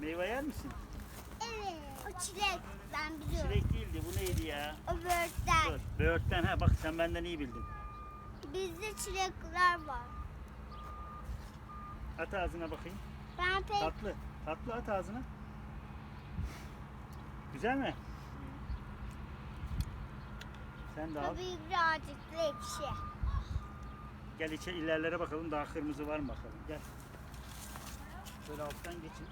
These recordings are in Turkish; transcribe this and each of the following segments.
Meyve yer misin? Evet. O çilek. Ben biliyorum. Çilek değildi. Bu neydi ya? O böğürtlen. Dur. Böğürtlen. Ha bak sen benden iyi bildin. Bizde çilekler var. At ağzına bakayım. Ben pek Tatlı. Tatlı at ağzına. Güzel mi? Sen de al. tabii birazcık da ekşi. Gel içe ilerlere bakalım. Daha kırmızı var mı bakalım. Gel. Şöyle alttan geçin.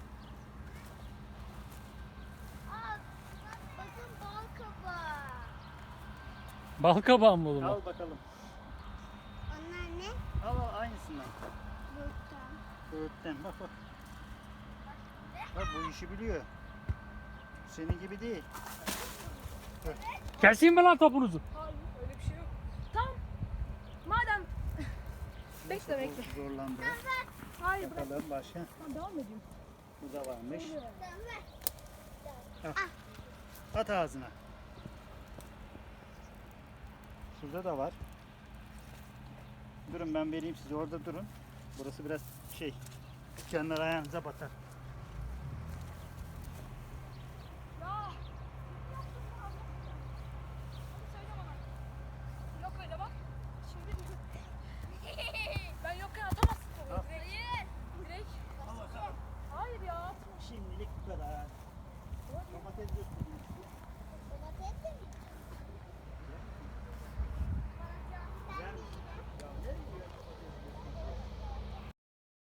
Aa, bakın bal kabağı. Bal kabağı mı oğlum? Al bakalım. Onlar ne? Al aynısından. Böğürtlen. Böğürtlen. Bak bak. Bak bu işi biliyor. Senin gibi değil. Keseyim mi lan topunuzu? Hayır öyle bir şey yok. Tamam. Madem 5 de bekle. Zorlandı. Hayır bırak. Bakalım başka. Tamam devam edeyim. Bu da varmış. Tamam. At ağzına. Şurada da var. Durun ben vereyim size. Orada durun. Burası biraz şey. Dükkanlar ayağınıza batar. Ya. Hadi söyle bana. Yok öyle bak. Şimdi ben yokken atamazsın topu. Al. Direkt. Direkt. Hayır ya atma. Şimdilik bu kadar. Domates göstereyim size. Domates de mi?